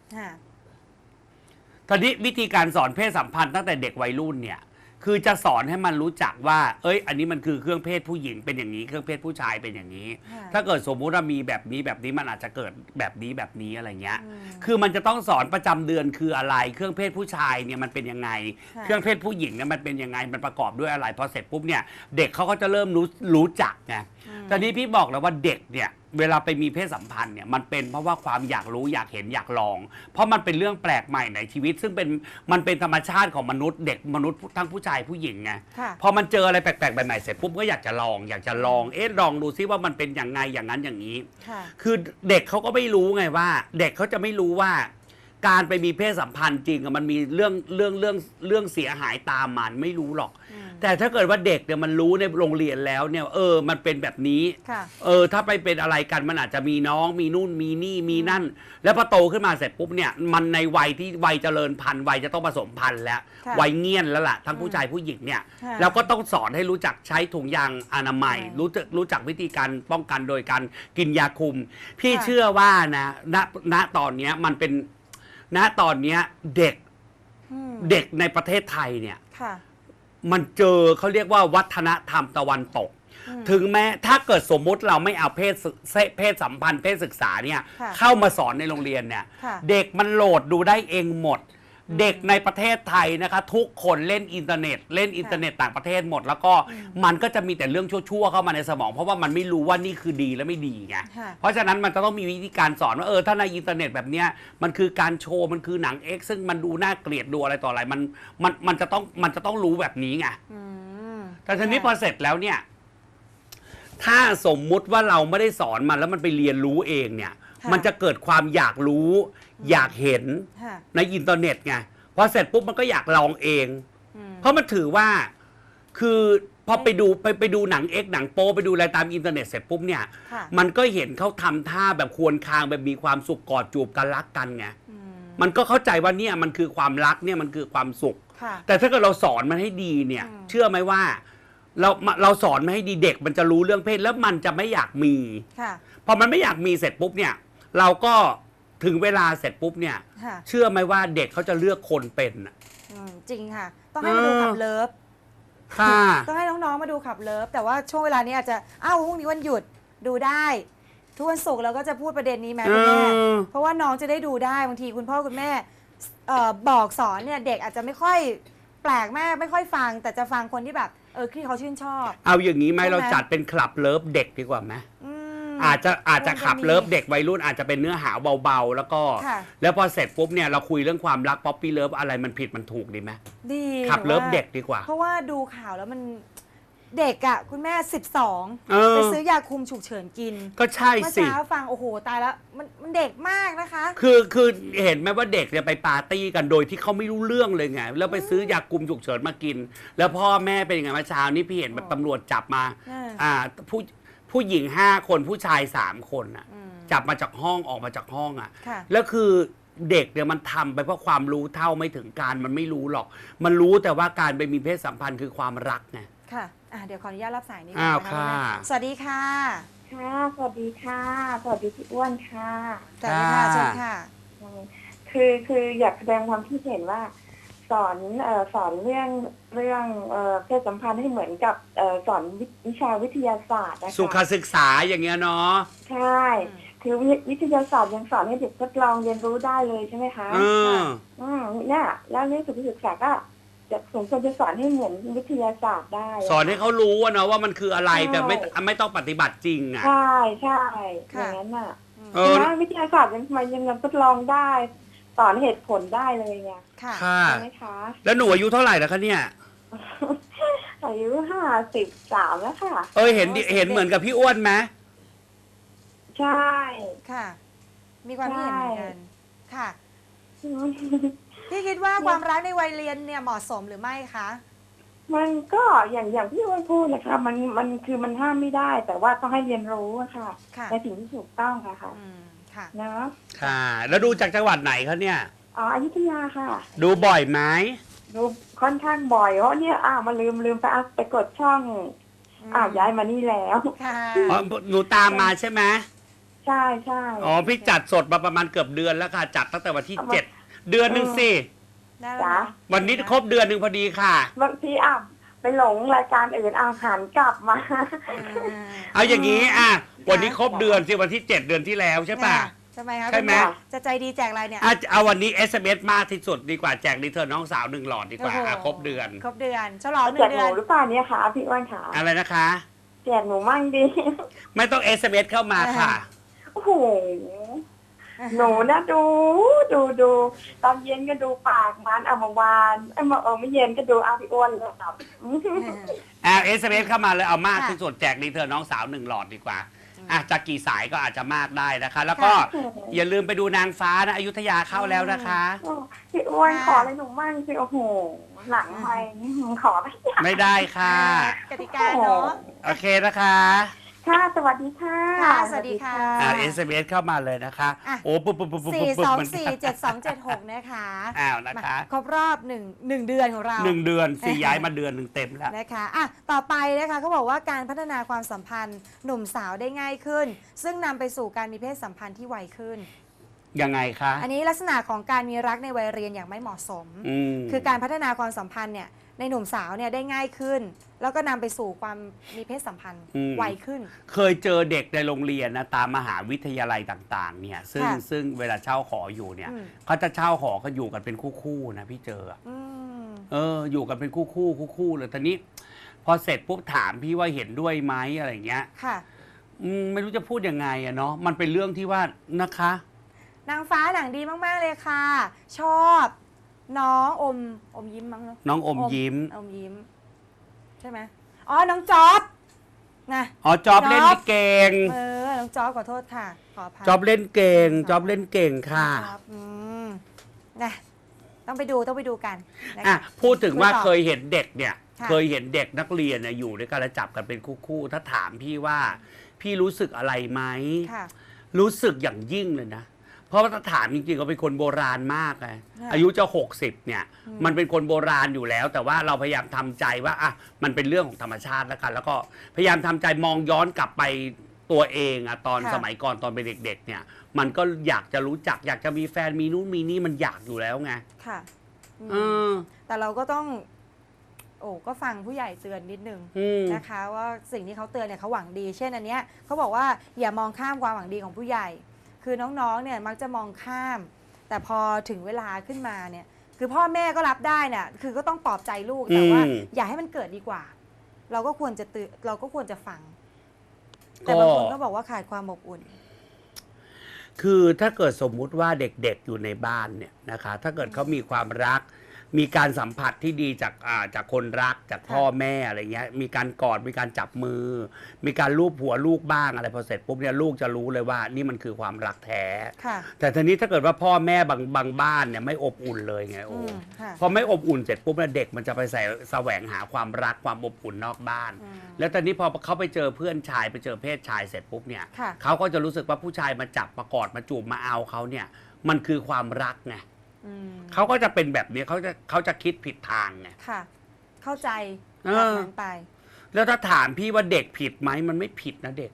[SPEAKER 2] ตอนนี้วิธีการสอนเพศสัมพันธ์ตั้งแต่เด็กวัยรุ่นเนี่ยคือจะสอนให้มันรู้จักว่าอันนี้มันคือเครื่องเพศผู้หญิงเป็นอย่างนี้เครื่องเพศผู้ชายเป็นอย่างนี้ถ้าเกิดสมมุติว่ามีแบบนี้มันอาจจะเกิดแบบนี้อะไรเงี้ยคือมันจะต้องสอนประจำเดือนคืออะไรเครื่องเพศผู้ชายเนี่ยมันเป็นยังไงเครื่องเพศผู้หญิงเนี่ยมันเป็นยังไงมันประกอบด้วยอะไรพอเสร็จปุ๊บเนี่ยเด็กเขาก็จะเริ่มรู้จักไงตอนนี้พี่บอกแล้วว่าเด็กเนี่ยเวลาไปมีเพศสัมพันธ์เนี่ยมันเป็นเพราะว่าความอยากรู้อยากเห็นอยากลองเพราะมันเป็นเรื่องแปลกใหม่ในชีวิตซึ่งมันเป็นธรรมชาติของมนุษย์เด็กมนุษย์ทั้งผู้ชายผู้หญิงไงพอมันเจออะไรแปลกๆใหม่ๆเสร็จปุ๊บก็อยากจะลองลองดูซิว่ามันเป็นอย่างไงอย่างนั้นอย่างนี้คือเด็กเขาก็ไม่รู้ไงว่าเด็กเขาจะไม่รู้ว่าการไปมีเพศสัมพันธ์จริงมันมีเรื่องเสียหายตามมันไม่รู้หรอกแต่ถ้าเกิดว่าเด็กเนี่ยมันรู้ในโรงเรียนแล้วเนี่ยมันเป็นแบบนี้ถ้าไปเป็นอะไรกันมันอาจจะมีน้องมีนู่นมีนี่มีนั่นแล้วพอโตขึ้นมาเสร็จปุ๊บเนี่ยมันในวัยที่วัยเจริญพันธุ์วัยจะต้องผสมพันธุ์แล้ววัยเงี้ยนแล้วล่ะทั้งผู้ชายผู้หญิงเนี่ยแล้วก็ต้องสอนให้รู้จักใช้ถุงยางอนามัยรู้จักวิธีการป้องกันโดยการกินยาคุมพี่เชื่อว่านะณตอนนี้มันเป็นณตอนนี้เด็กในประเทศไทยเนี่ยมันเจอเขาเรียกว่าวัฒนธรรมตะวันตกถึงแม้ถ้าเกิดสมมุติเราไม่เอาเพศสัมพันธ์เพศศึกษาเนี่ยเข้ามาสอนในโรงเรียนเนี่ยเด็กมันโหลดดูได้เองหมดเด็กในประเทศไทยนะคะทุกคนเล่นอินเทอร์เน็ตต่างประเทศหมดแล้วก็มันก็จะมีแต่เรื่องชั่วๆเข้ามาในสมองเพราะว่ามันไม่รู้ว่านี่คือดีและไม่ดีไงเพราะฉะนั้นมันจะต้องมีวิธีการสอนว่าถ้าในอินเทอร์เน็ตแบบเนี้ยมันคือการโชว์มันคือหนัง X ซึ่งมันดูน่าเกลียดดูอะไรต่ออะไรมันจะต้องรู้แบบนี้ไงแต่ทีนี้พอเสร็จแล้วเนี่ยถ้าสมมุติว่าเราไม่ได้สอนมันแล้วมันไปเรียนรู้เองเนี่ยมันจะเกิดความอยากรู้อยากเห็นในอินเทอร์เน็ตไงพอเสร็จปุ๊บมันก็อยากลองเองเพราะมันถือว่าคือพอไปดูหนังหนังโป๊ไปดูอะไรตามอินเทอร์เน็ตเสร็จปุ๊บเนี่ยมันก็เห็นเขาทำท่าแบบควรคางแบบมีความสุขกอดจูบกันรักกันไงมันก็เข้าใจว่าเนี่ยมันคือความรักเนี่ยมันคือความสุขแต่ถ้าเกิดเราสอนมันให้ดีเนี่ยเชื่อไหมว่าเราสอนมันให้ดีเด็กมันจะรู้เรื่องเพศแล้วมันจะไม่อยากมีพอมันไม่อยากมีเสร็จปุ๊บเนี่ยเราก็ถึงเวลาเสร็จปุ๊บเนี่ยเชื่อไหมว่าเด็กเขาจะเลือกคนเป็น
[SPEAKER 3] จริงค่ะต้องให้มาดูขับเลิฟต้องให้น้องๆมาดูขับเลิฟแต่ว่าช่วงเวลานี้อาจจะพรุ่งนี้วันหยุดดูได้ทุกวันศุกร์เราก็จะพูดประเด็นนี้ไหมคุณแม่เพราะว่าน้องจะได้ดูได้บางทีคุณพ่อคุณแม่บอกสอนเนี่ยเด็กอาจจะไม่ค่อยแปลกมากไม่ค่อยฟังแต่จะฟังคนที่แบบที่เขาชื่นชอบ
[SPEAKER 2] เอาอย่างนี้ไหมเราจัดเป็นคลับเลิฟเด็กดีกว่าไหมอาจจะขับเลิฟเด็กวัยรุ่นอาจจะเป็นเนื้อหาเบาๆแล้วก็แล้วพอเสร็จปุ๊บเนี่ยเราคุยเรื่องความรักป๊อปปี้เลิฟอะไรมันผิดมันถูกดีไหม
[SPEAKER 3] ดี
[SPEAKER 2] ขับเลิฟเด็กดีกว่า
[SPEAKER 3] เพราะว่าดูข่าวแล้วมันเด็กอ่ะคุณแม่12ไปซื้อยาคุมฉุกเฉินกิน
[SPEAKER 2] ก็ใช่สิ
[SPEAKER 3] เมื่อเช้าฟังโอ้โหตายแล้วมันเด็กมากนะคะ
[SPEAKER 2] คือเห็นไหมว่าเด็กเนี่ยไปปาร์ตี้กันโดยที่เขาไม่รู้เรื่องเลยไงแล้วไปซื้อยาคุมฉุกเฉินมากินแล้วพ่อแม่เป็นยังไงเมื่อเช้านี้พี่เห็นแบบตำรวจจับมาผู้หญิง5 คนผู้ชาย3 คนอ่ะจับมาจากห้องออกมาจากห้องอ่ะแล้วคือเด็กเนี่ยมันทำไปเพราะความรู้เท่าไม่ถึงการมันไม่รู้หรอกมันรู้แต่ว่าการไปมีเพศสัมพันธ์คือความรักไง
[SPEAKER 3] ค่ะเดี๋ยวขออนุญาตรับสายนี้ก่อนนะคะสวัสดีค่ะ
[SPEAKER 4] สวัสดีค่ะสวัสดีพี่อ้วนค่ะ
[SPEAKER 3] สวัสดีค่ะเชิญค่ะ
[SPEAKER 1] คืออยากแสดงความคิดเห็นว่าสอนเรื่องเพศสัมพันธ์ให้เหมือนกับสอนวิชาวิทยาศาสตร์นะคะ
[SPEAKER 2] สุขศึกษาอย่างเงี้ยเนาะ
[SPEAKER 1] ใช่คือวิทยาศาสตร์ยังสอนให้เด็กทดลองเรียนรู้ได้เลยใช่ไหมคะเนี่ยแล้วเรื่องสุขศึกษาก็จะสมควรจะสอนให้เหมือนวิทยาศาสตร์ได้
[SPEAKER 2] สอนให้เขารู้ว่าเนาะว่ามันคืออะไรแต่ไม่ต้องปฏิบัติจริงอ่ะ
[SPEAKER 1] ใช่อย่างนั้นน่ะนะวิทยาศาสตร์ยังทดลองได้สอนเหตุผลได้เลยไง
[SPEAKER 3] ค่ะ
[SPEAKER 1] ใช่ไหมคะ
[SPEAKER 2] แล้วหนูอายุเท่าไหร่แล้วคะเนี่ย
[SPEAKER 1] อายุ53แล้วค่ะ
[SPEAKER 2] เห็นเหมือนกับพี่อ้วนไหม
[SPEAKER 1] ใช่
[SPEAKER 3] ค่ะมีความคิดเห็นเหมือนกันค่ะพี่คิดว่าความรักในวัยเรียนเนี่ยเหมาะสมหรือไม่คะ
[SPEAKER 1] มันก็อย่างที่อ้วนพูดนะคะมันคือมันห้ามไม่ได้ แต่ว่าต้องให้เรียนรู้ค่ะในสิ่งที่ถูกต้องค่ะ
[SPEAKER 3] ค่ะ
[SPEAKER 1] เนาะ
[SPEAKER 2] ค่ะแล้วดูจากจังหวัดไหนคะเนี่ย
[SPEAKER 1] อยุธยาค่ะ
[SPEAKER 2] ดูบ่อยไหม
[SPEAKER 1] ดูค่อนข้างบ่อยเพราะเนี่ยมาลืมไปกดช่องย้ายมานี่แล้ว
[SPEAKER 3] ค่ะ
[SPEAKER 2] หนูตามมาใช่ไหม
[SPEAKER 1] ใช่
[SPEAKER 2] พี่จัดสดมาประมาณเกือบเดือนแล้วค่ะจัดตั้งแต่วันที่7 เดือนหนึ่งสิ
[SPEAKER 1] จ้ะ
[SPEAKER 2] วันนี้ครบเดือนหนึ่งพอดีค่ะ
[SPEAKER 1] บางทีไปหลงรายการอื่นหันกลับมา
[SPEAKER 2] เอาอย่างนี้วันนี้ครบเดือนสิวันที่7 เดือนที่แล้วใช่ป่ะ
[SPEAKER 3] ใช่ไหมคะ
[SPEAKER 2] ใช่ไหม
[SPEAKER 3] จะใจดีแจกอะไรเนี่ย
[SPEAKER 2] เอาวันนี้ SMS มากที่สุดดีกว่าแจกรีเทิร์นน้องสาว1 หลอดดีกว่าครบเดือน
[SPEAKER 3] ฉลอง1 เดือน
[SPEAKER 1] แจกหนูหรือเปล่าเนี่ยค่ะพี่อ้วนค่ะ
[SPEAKER 2] อะไรนะคะ
[SPEAKER 1] แจกหนูมั่งดี
[SPEAKER 2] ไม่ต้อง SMS เข้ามาค่ะ
[SPEAKER 1] โอ้โหหนูนะดูตอนเย็นก็ดูปากมันเมื่อวานไม่เย็นก็ดูพี่อ้วนเลยครับ
[SPEAKER 2] SMS เข้ามาเลยเอามากที่สุดแจกรีเทิร์นน้องสาว1 หลอดดีกว่าจะกี่สายก็อาจจะมากได้นะคะแล้วก็อย่าลืมไปดูนางฟ้านะอยุธยาเข้าแล้วนะคะ
[SPEAKER 1] พี่อ้วนขออะไรหนูมั่งสิโอ้โหหลังไปขอ
[SPEAKER 2] ไม่ได้ค่ะ
[SPEAKER 3] กติกาเนาะ
[SPEAKER 2] โอเคนะคะ
[SPEAKER 1] ค่ะสวัสดีค่ะ
[SPEAKER 3] สวัสดีค่ะ
[SPEAKER 2] SMS เข้ามาเลยนะคะโอ้ปุ๊บ
[SPEAKER 3] 4247276นะคะ
[SPEAKER 2] นะคะ
[SPEAKER 3] ครบรอบ1 เดือนของเรา
[SPEAKER 2] 1 เดือนย้ายมาเดือน1เต็มแล้ว
[SPEAKER 3] นะคะต่อไปนะคะเขาบอกว่าการพัฒนาความสัมพันธ์หนุ่มสาวได้ง่ายขึ้นซึ่งนำไปสู่การมีเพศสัมพันธ์ที่ไวขึ้น
[SPEAKER 2] ยังไงคะ
[SPEAKER 3] อันนี้ลักษณะของการมีรักในวัยเรียนอย่างไม่เหมาะสมคือการพัฒนาความสัมพันธ์เนี่ยในหนุ่มสาวเนี่ยได้ง่ายขึ้นแล้วก็นำไปสู่ความมีเพศสัมพันธ์ไวขึ้น
[SPEAKER 2] เคยเจอเด็กในโรงเรียนนะตามมหาวิทยาลัยต่างๆเนี่ยซึ่งเวลาเช่าหออยู่เนี่ยเขาจะเช่าหอเขาอยู่กันเป็นคู่ๆนะพี่เจออยู่กันเป็นคู่เลยตอนนี้พอเสร็จปุ๊บถามพี่ว่าเห็นด้วยไหมอะไรเงี้ย
[SPEAKER 3] ค่ะ
[SPEAKER 2] ไม่รู้จะพูดยังไงอะเนาะมันเป็นเรื่องที่ว่านะคะ
[SPEAKER 3] นางฟ้าหนังดีมากๆเลยค่ะชอบน้องอมยิ้มมั้ง
[SPEAKER 2] น้องอมยิ้ม
[SPEAKER 3] ใช่ไหมน้องจ๊อบนะ
[SPEAKER 2] จ๊อบเล่นเก่ง
[SPEAKER 3] น้องจ๊อบขอโทษค่ะขออภัย
[SPEAKER 2] จ๊อบเล่นเก่งจ๊อบเล่นเก่งค่ะ
[SPEAKER 3] นะต้องไปดูกัน
[SPEAKER 2] พูดถึงว่าเคยเห็นเด็กเนี่ยเคยเห็นเด็กนักเรียนอยู่ด้วยกันแล้วจับกันเป็นคู่ถ้าถามพี่ว่าพี่รู้สึกอะไรไหมรู้สึกอย่างยิ่งเลยนะเพราะว่าถ้าถามจริงๆก็เป็นคนโบราณมากไงอายุจะ60เนี่ยมันเป็นคนโบราณอยู่แล้วแต่ว่าเราพยายามทำใจว่ามันเป็นเรื่องของธรรมชาติแล้วกันแล้วก็พยายามทำใจมองย้อนกลับไปตัวเองตอนสมัยก่อนตอนเป็นเด็กๆเนี่ยมันก็อยากจะรู้จักอยากจะมีแฟนมีนู่นมีนี่มันอยากอยู่แล้วไง
[SPEAKER 3] ค่ะแต่เราก็ต้องก็ฟังผู้ใหญ่เตือนนิดนึงนะคะว่าสิ่งที่เขาเตือนเนี่ยเขาหวังดีเช่นอันเนี้ยเขาบอกว่าอย่ามองข้ามความหวังดีของผู้ใหญ่คือน้องๆเนี่ยมักจะมองข้ามแต่พอถึงเวลาขึ้นมาเนี่ยคือพ่อแม่ก็รับได้เนี่ยคือก็ต้องปลอบใจลูกแต่ว่าอย่าให้มันเกิดดีกว่าเราก็ควรจะฟังแต่บางคนก็บอกว่าขาดความอบอุ่น
[SPEAKER 2] คือถ้าเกิดสมมุติว่าเด็กๆอยู่ในบ้านเนี่ยนะคะถ้าเกิดเขามีความรักมีการสัมผัสที่ดีจากคนรักจากพ่อแม่อะไรเงี้ยมีการกอดมีการจับมือมีการลูบหัวลูกบ้างอะไรพอเสร็จปุ๊บเนี่ยลูกจะรู้เลยว่านี่มันคือความรักแท้แต่ทีนี้ถ้าเกิดว่าพ่อแม่บางบ้านเนี่ยไม่อบอุ่นเลยไงพอไม่อบอุ่นเสร็จปุ๊บเนี่ยเด็กมันจะไปแสวงหาความรักความอบอุ่นนอกบ้านแล้วตอนนี้พอเขาไปเจอเพื่อนชายไปเจอเพศชายเสร็จปุ๊บเนี่ยเขาก็จะรู้สึกว่าผู้ชายมาจับมากอดมาจูบมาเอาเขาเนี่ยมันคือความรักไงเขาก็จะเป็นแบบนี้เขาจะคิดผิดทางไง
[SPEAKER 3] ค่ะเข้าใจแบบนั้นไป
[SPEAKER 2] แล้วถ้าถามพี่ว่าเด็กผิดไหมมันไม่ผิดนะเด็ก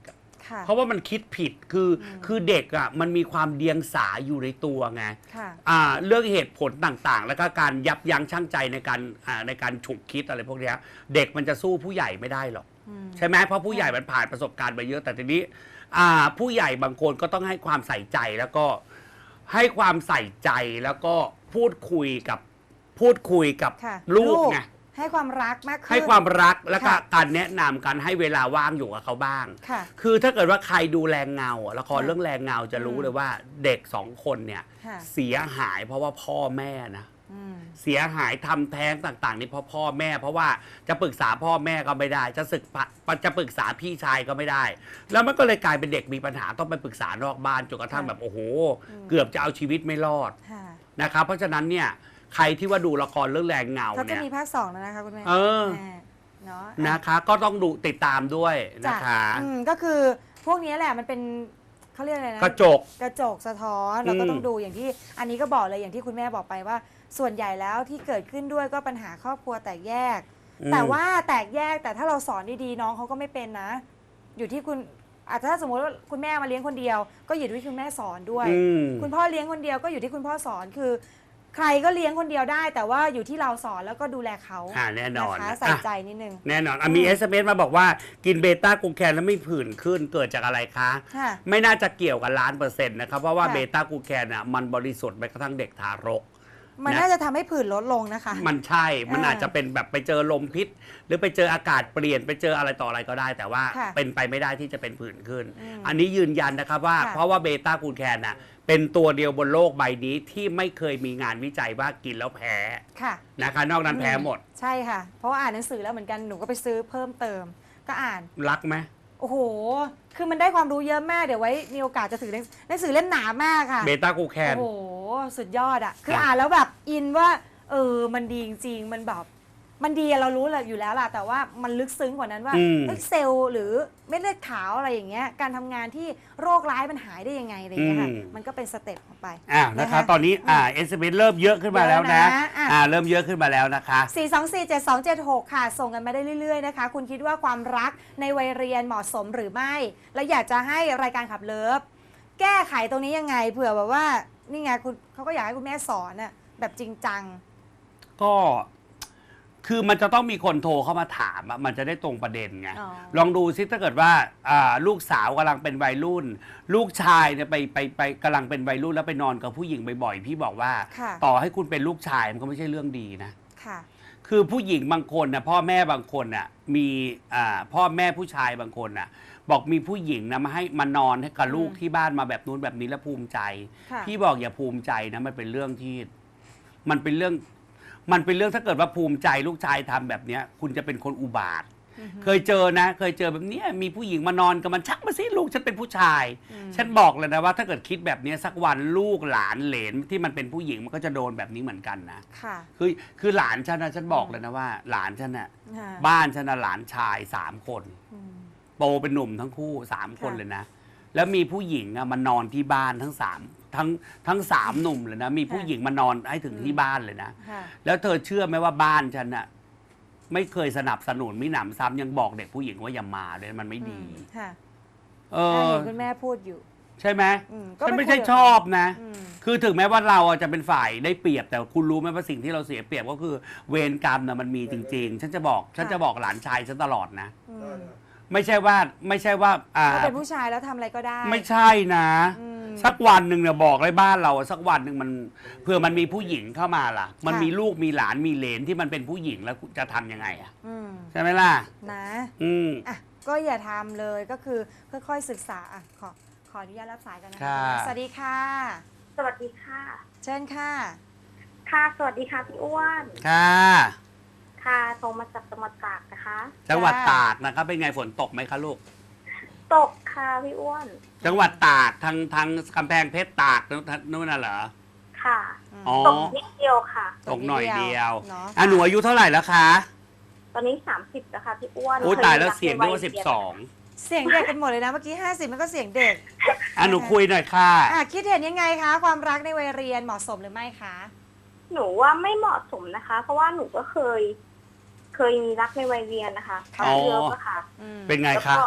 [SPEAKER 2] เพราะว่ามันคิดผิดคือเด็กอ่ะมันมีความเดียงสาอยู่ในตัวไงเรื่องเหตุผลต่างๆ แล้วก็การยับยั้งชั่งใจในการฉุกคิดอะไรพวกนี้เด็กมันจะสู้ผู้ใหญ่ไม่ได้หรอกใช่ไหมเพราะผู้ใหญ่มันผ่านประสบการณ์มาเยอะแต่ทีนี้ผู้ใหญ่บางคนก็ต้องให้ความใส่ใจแล้วก็ให้ความใส่ใจแล้วก็พูดคุยกับลูกไง
[SPEAKER 3] ให้ความรักมากขึ้น
[SPEAKER 2] ให้ความรักแล้วก็การแนะนำการให้เวลาว่างอยู่กับเขาบ้างคือถ้าเกิดว่าใครดูแรงเงาละครเรื่องแรงเงาจะรู้เลยว่าเด็ก2 คนเนี่ยเสียหายเพราะว่าพ่อแม่นะเสียหายทำแท้งต่างๆนี่เพราะพ่อแม่เพราะว่าจะปรึกษาพ่อแม่ก็ไม่ได้จะปรึกษาพี่ชายก็ไม่ได้แล้วมันก็เลยกลายเป็นเด็กมีปัญหาต้องไปปรึกษานอกบ้านจนกระทั่งแบบโอ้โหเกือบจะเอาชีวิตไม่รอดนะครับเพราะฉะนั้นเนี่ยใครที่ว่าดูละครเรื่องแรงเงาเนี่ย
[SPEAKER 3] เขาจะมีภาค 2แล้วนะคะคุณแม่
[SPEAKER 2] เนาะนะคะก็ต้องดูติดตามด้วยนะคะ
[SPEAKER 3] ก็คือพวกนี้แหละมันเป็นเขาเรียกอะไรนะ
[SPEAKER 2] กระจก
[SPEAKER 3] สะท้อนเราก็ต้องดูอย่างที่อันนี้ก็บอกเลยอย่างที่คุณแม่บอกไปว่าส่วนใหญ่แล้วที่เกิดขึ้นด้วยก็ปัญหาครอบครัวแตกแยกแต่ว่าแตกแยกแต่ถ้าเราสอนดีๆน้องเขาก็ไม่เป็นนะอยู่ที่คุณอาจจะถ้าสมมติว่าคุณแม่มาเลี้ยงคนเดียวก็อยู่ที่คุณแม่สอนด้วยคุณพ่อเลี้ยงคนเดียวก็อยู่ที่คุณพ่อสอนคือใครก็เลี้ยงคนเดียวได้แต่ว่าอยู่ที่เราสอนแล้วก็ดูแลเขา
[SPEAKER 2] แน่นอน
[SPEAKER 3] ใส่ใจนิดนึง
[SPEAKER 2] แน่นอนมี SMS มาบอกว่ากินเบต้ากลูแคนแล้วไม่ผื่นขึ้นเกิดจากอะไรคะไม่น่าจะเกี่ยวกับ1,000,000%นะครับเพราะว่าเบต้ากลูแคนมันบริสุทธิ์ไปกระทั่งเด็กทารก
[SPEAKER 3] มันน่าจะทำให้ผื่นลดลงนะคะ
[SPEAKER 2] มันใช่มันอาจจะเป็นแบบไปเจอลมพิษหรือไปเจออากาศเปลี่ยนไปเจออะไรต่ออะไรก็ได้แต่ว่าเป็นไปไม่ได้ที่จะเป็นผื่นขึ้นอันนี้ยืนยันนะครับว่าเพราะว่าเบต้ากลูแคนเป็นตัวเดียวบนโลกใบนี้ที่ไม่เคยมีงานวิจัยว่ากินแล้วแพ้นะคะนอกนั้นแพ้หมด
[SPEAKER 3] ใช่ค่ะเพราะว่าอ่านหนังสือแล้วเหมือนกันหนูก็ไปซื้อเพิ่มเติมก็อ่าน
[SPEAKER 2] รักไหม
[SPEAKER 3] โอ้โหคือมันได้ความรู้เยอะมากเดี๋ยวไว้มีโอกาสจะถือหนังสือเล่มหนามากค่ะ
[SPEAKER 2] เบต้ากลูแคน
[SPEAKER 3] โอ้โหสุดยอดอ่ะคืออ่านแล้วแบบอินว่ามันดีจริงๆมันแบบมันดีเรารู้อยู่แล้วล่ะแต่ว่ามันลึกซึ้งกว่านั้นว่าเซลล์หรือเม็ดเลือดขาวอะไรอย่างเงี้ยการทำงานที่โรคร้ายมันหายได้ยังไงอะไรเงี้ยค่ะมันก็เป็นสเต็ปของไป
[SPEAKER 2] นะคะตอนนี้SMS เริ่มเยอะขึ้นมาแล้วนะเริ่มเยอะขึ้นมาแล้วนะคะ
[SPEAKER 3] 4247276ค่ะส่งกันมาได้เรื่อยๆนะคะคุณคิดว่าความรักในวัยเรียนเหมาะสมหรือไม่และอยากจะให้รายการขับเลิฟแก้ไขตรงนี้ยังไงเผื่อแบบว่านี่ไงคุณเขาก็อยากให้คุณแม่สอนน่ะแบบจริงจัง
[SPEAKER 2] ก็คือมันจะต้องมีคนโทรเข้ามาถามมันจะได้ตรงประเด็นไงลองดูซิถ้าเกิดว่าลูกสาวกำลังเป็นวัยรุ่นลูกชายเนี่ยไปกำลังเป็นวัยรุ่นแล้วไปนอนกับผู้หญิงบ่อยๆพี่บอกว่าต่อให้คุณเป็นลูกชายมันก็ไม่ใช่เรื่องดีนะคือผู้หญิงบางคนนะพ่อแม่บางคนน่ะมีพ่อแม่ผู้ชายบางคนน่ะบอกมีผู้หญิงนะมานอนให้กับลูกที่บ้านมาแบบนู้นแบบนี้แล้วภูมิใจพี่บอกอย่าภูมิใจนะมันเป็นเรื่องที่มันเป็นเรื่องถ้าเกิดว่าภูมิใจลูกชายทำแบบนี้คุณจะเป็นคนอุบาทเคยเจอแบบนี้มีผู้หญิงมานอนกับมันชักมาสิลูกฉันเป็นผู้ชายฉันบอกเลยนะว่าถ้าเกิดคิดแบบนี้สักวันลูกหลานเหลนที่มันเป็นผู้หญิงมันก็จะโดนแบบนี้เหมือนกันนะคือหลานฉันนะฉันบอกเลยนะว่าหลานฉันน่ะบ้านฉันน่ะหลานชาย3 คนโตเป็นหนุ่มทั้งคู่3 คนเลยนะแล้วมีผู้หญิงมานอนที่บ้านทั้ง3หนุ่มเลยนะมีผู้หญิงมานอนให้ถึงที่บ้านเลยนะแล้วเธอเชื่อไหมว่าบ้านฉันน่ะไม่เคยสนับสนุนมิหนำซ้ำยังบอกเด็กผู้หญิงว่าอย่ามาเลยมันไม่ดี
[SPEAKER 3] คุณแม่พูดอยู่
[SPEAKER 2] ใช่ไหมฉันไม่ใช่ชอบนะคือถึงแม้ว่าเราจะเป็นฝ่ายได้เปรียบแต่คุณรู้ไหมว่าสิ่งที่เราเสียเปรียบก็คือเวรกรรมน่ะมันมีจริงๆฉันจะบอกหลานชายฉันตลอดนะไม่ใช่ว่า
[SPEAKER 3] เขาเป็นผู้ชายแล้วทำอะไรก็ได้
[SPEAKER 2] ไม่ใช่นะสักวันหนึ่งเนี่ยบอกเลยบ้านเราสักวันหนึ่งมันเผื่อมันมีผู้หญิงเข้ามาล่ะมันมีลูกมีหลานมีเหลนที่มันเป็นผู้หญิงแล้วจะทำยังไงใช่ไหมล่ะ
[SPEAKER 3] นะก็อย่าทำเลยก็คือค่อยๆศึกษาขออนุญาตรับสายกันนะคะสวัสดีค่ะ
[SPEAKER 1] สวัสดีค่ะ
[SPEAKER 3] เชิญค่ะ
[SPEAKER 1] ค่ะสวัสดีค่ะพี่อ้วนค่ะโทรมาจากจังหวัดตากนะคะ
[SPEAKER 2] จังหวัดตากนะครับเป็นไงฝนตกไหมคะลูก
[SPEAKER 1] ตกค่ะพี่อ้วน
[SPEAKER 2] จังหวัดตากทางกำแพงเพชรตากนู่นน่ะเหรอ
[SPEAKER 1] ค่ะตกนิดเดียวค่ะ
[SPEAKER 2] ตกหน่อยเดียวหนูอายุเท่าไหร่แล้วคะ
[SPEAKER 1] ตอนนี้30แล้วค่ะพี่อ้วน
[SPEAKER 2] โอ้ตายแล้วเสียงด้วย12
[SPEAKER 3] เสียงเด็กกันหมดเลยนะเมื่อกี้50มันก็เสียงเด็ก
[SPEAKER 2] หนูคุยหน่อยค่ะ
[SPEAKER 3] คิดเห็นยังไงคะความรักในวัยเรียนเหมาะสมหรือไม่คะ
[SPEAKER 1] หนูว่าไม่เหมาะสมนะคะเพราะว่าหนูก็เคยมีรักในวัยเรียนนะคะเยอะค่ะ
[SPEAKER 2] เป็นไงคะ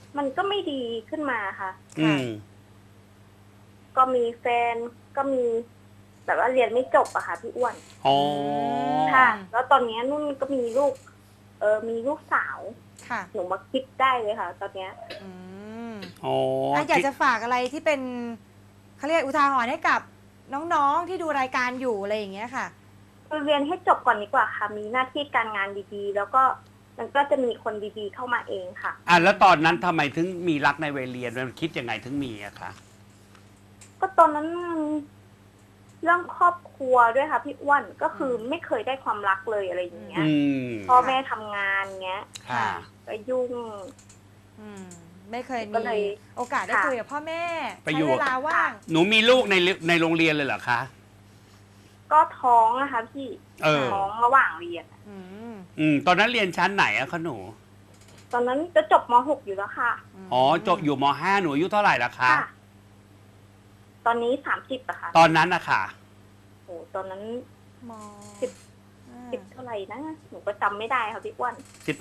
[SPEAKER 5] มันก็ไม่ดีขึ้นมาค่ะ
[SPEAKER 2] อืม
[SPEAKER 5] ก็มีแฟนก็มีแบบว่าเรียนไม่จบอะค่ะพี่อ้วน
[SPEAKER 2] อ๋อ
[SPEAKER 5] ค่ะ แล้วตอนนี้นุ่นก็มีลูก มีลูกสาว
[SPEAKER 3] ค่ะ
[SPEAKER 5] หนูมาคิดได้เลยค่ะ ตอนเนี้ย
[SPEAKER 3] อืม
[SPEAKER 2] อ๋อ
[SPEAKER 3] อยากจะฝากอะไรที่เป็นเขาเรียกอุทาหรณ์ให้กับน้องๆที่ดูรายการอยู่อะไรอย่างเงี้ยค่ะ
[SPEAKER 5] คือเรียนให้จบก่อนดีกว่าค่ะ มีหน้าที่การงานดีๆ แล้วก็มันก็จะมีคนดีๆเข้ามาเองค่ะ
[SPEAKER 2] แล้วตอนนั้นทำไมถึงมีรักในวัยเรียนมันคิดยังไงถึงมีอะคะ
[SPEAKER 5] ก็ตอนนั้นเรื่องครอบครัวด้วยค่ะพี่อ้วนก็คือไม่เคยได้ความรักเลยอะไรอย่างเงี้ย
[SPEAKER 2] อืม
[SPEAKER 5] พ่อแม่ทำงานเงี้ย
[SPEAKER 2] ค่ะ
[SPEAKER 5] ก็ยุ่ง
[SPEAKER 3] อืมไม่เคย
[SPEAKER 5] ก็
[SPEAKER 3] มี
[SPEAKER 5] เลย
[SPEAKER 3] โอกาสได้
[SPEAKER 5] ค่ะ
[SPEAKER 3] คุยกับพ่อแม่
[SPEAKER 2] ไป
[SPEAKER 3] ใช้
[SPEAKER 2] อยู่
[SPEAKER 3] เวลาว่าง
[SPEAKER 2] หนูมีลูกในโรงเรียนเลยเหรอคะ
[SPEAKER 5] ก็ท้องนะคะพี่
[SPEAKER 2] เออ
[SPEAKER 5] ท้องระหว่างเรียน
[SPEAKER 3] อืม
[SPEAKER 2] ตอนนั้นเรียนชั้นไหนอะคะหนู
[SPEAKER 5] ตอนนั้นจะจบม .6 อยู่แล้วค่ะ
[SPEAKER 2] อ๋อจบอยู่ม .5 หนูอายุเท่าไหร่ละคะ
[SPEAKER 5] ค่ะ ตอนนี้30อะค่ะ
[SPEAKER 2] ตอนนั้นอะค่ะ
[SPEAKER 5] โอ้ตอนนั้น
[SPEAKER 3] ม
[SPEAKER 5] 10เท่าไหร่นะหนูก็จำไม่ได้ค่ะพี่อ้วน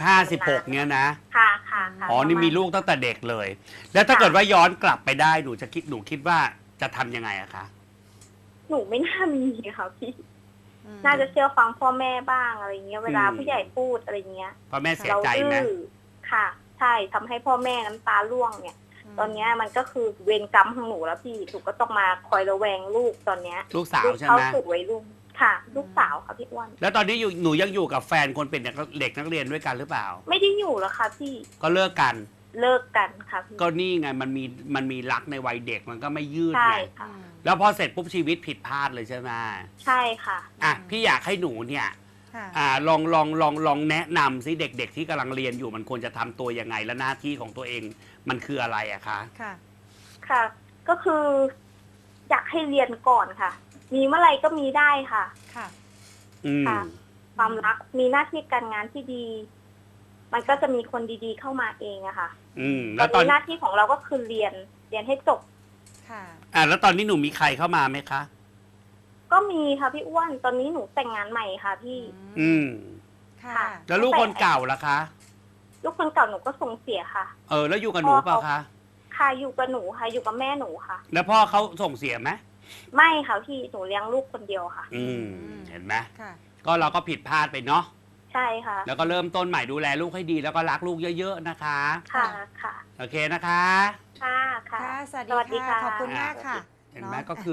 [SPEAKER 2] 15-16เนี่ยนะ
[SPEAKER 5] ค่ะค่ะค่ะ
[SPEAKER 2] อ๋อ นี่มีลูกตั้งแต่เด็กเลย แล้วถ้าเกิดว่าย้อนกลับไปได้หนูคิดว่าจะทำยังไงอะคะ
[SPEAKER 5] หนูไม่น่ามีค่ะพี่
[SPEAKER 3] อืม
[SPEAKER 5] น่าจะเชื่อฟังพ่อแม่บ้างอะไรเงี้ยเวลา
[SPEAKER 2] อืม
[SPEAKER 5] ผู้ใหญ่พูดอะไรเงี้ย
[SPEAKER 2] พ่อแม่เสีย
[SPEAKER 5] เรา
[SPEAKER 2] ใจไหม
[SPEAKER 5] ดื้อค่ะ ใช่ทำให้พ่อแม่น้ำตาร่วงเนี่ย ตอนเนี้ยมันก็คือเวรกรรมของหนูแล้วพี่หนูก็ต้องมาคอยระแวงลูกตอนเนี้ย
[SPEAKER 2] ลูกสาวใช่
[SPEAKER 5] เข้า
[SPEAKER 2] ไหม
[SPEAKER 5] สู่วัยรุ่นค่ะ ลูกสาวค่ะพี่อ้วน
[SPEAKER 2] แล้วตอนนี้หนูยังอยู่กับแฟนคนเป็นเด็กนักเรียนด้วยกันหรือเปล่า
[SPEAKER 5] ไม่ได้อยู่แล้วค่ะพี่
[SPEAKER 2] ก็เลิกกัน
[SPEAKER 5] เลิกกันค่ะพี่
[SPEAKER 2] ก็นี่ไงมันมีรักในวัยเด็กมันก็ไม่ยืด
[SPEAKER 5] ใช่
[SPEAKER 2] ไง
[SPEAKER 5] ค่ะ
[SPEAKER 2] แล้วพอเสร็จปุ๊บชีวิตผิดพลาดเลยใช่ไหม
[SPEAKER 5] ใช่ค่ะ
[SPEAKER 2] อ่ะพี่อยากให้หนูเนี่ย
[SPEAKER 3] ค่ะ
[SPEAKER 2] ลองแนะนำซิเด็กๆที่กำลังเรียนอยู่มันควรจะทำตัวยังไงและหน้าที่ของตัวเองมันคืออะไรอะคะ
[SPEAKER 3] ค่ะ
[SPEAKER 5] ค่ะ ก็คืออยากให้เรียนก่อนค่ะ มีเมื่อไหร่ก็มีได้ค่ะ
[SPEAKER 3] ค่ะ
[SPEAKER 2] อืม
[SPEAKER 5] ค่ะ ความรักมีหน้าที่การงานที่ดี มันก็จะมีคนดีๆเข้ามาเองอะค่ะ
[SPEAKER 2] ต
[SPEAKER 5] ต
[SPEAKER 2] อ
[SPEAKER 5] อน น
[SPEAKER 2] นี้
[SPEAKER 5] นี้หน้าที่ของเราก็คือเรียนให้จบ
[SPEAKER 3] ค่ะ
[SPEAKER 2] แล้วตอนนี้หนูมีใครเข้ามาไหมคะ
[SPEAKER 5] ก็มีค่ะพี่อ้วน ตอนนี้หนูแต่งงานใหม่ค่ะพี่
[SPEAKER 2] อืม
[SPEAKER 3] ค่ะ
[SPEAKER 5] ค่ะ
[SPEAKER 2] แล้วลูกคนเก่าล่ะคะ
[SPEAKER 5] ลูกคนเก่าหนูก็ส่งเสียค่ะ
[SPEAKER 2] แล้วอยู่กับหนูเปล่าคะ
[SPEAKER 5] ค่ะอยู่กับหนูค่ะ อยู่กับแม่หนูค่ะ
[SPEAKER 2] แล้วพ่อเขาส่งเสียไหม
[SPEAKER 5] ไม่ค่ะพี่หนูเลี้ยงลูกคนเดียวค่ะ
[SPEAKER 2] เห็นไหม
[SPEAKER 3] ค่ะ
[SPEAKER 2] ก็เราก็ผิดพลาดไปเนาะ
[SPEAKER 5] ใช่ค่ะ
[SPEAKER 2] แล้วก็เริ่มต้นใหม่ดูแลลูกให้ดีแล้วก็รักลูกเยอะๆนะคะ
[SPEAKER 5] ค่ะค่ะ
[SPEAKER 2] โอเคนะคะ
[SPEAKER 5] ค่ะค่ะ
[SPEAKER 3] ค่ะ สวัส
[SPEAKER 5] สวัสดี
[SPEAKER 3] ดีค่ะ
[SPEAKER 5] ค่ะ
[SPEAKER 3] ขอบคุณมากค่ะ
[SPEAKER 2] เห็นไหม
[SPEAKER 3] เนาะ
[SPEAKER 2] ก็คือ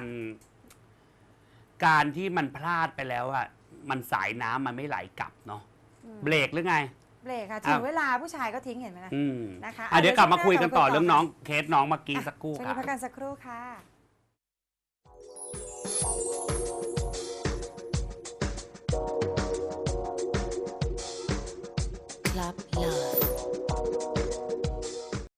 [SPEAKER 2] การที่มันพลาดไปแล้วอะมันสายน้ำมันไม่ไหลกลับเนาะ เบรกหรือไง
[SPEAKER 3] เบรกค่ะ ถึงเวลาผู้ชายก็ทิ้งเห็นไหมนะ นะคะ
[SPEAKER 2] เดี๋ยวกลับมาคุยกันต่อ
[SPEAKER 3] เดี๋ยว
[SPEAKER 2] เรื่องน้องเคสน้องเมื่อกี้สักครู่
[SPEAKER 3] ช่วง
[SPEAKER 2] ครั
[SPEAKER 3] นี้
[SPEAKER 2] บ
[SPEAKER 3] พักกันสักครู่ค่ะ
[SPEAKER 6] Club Love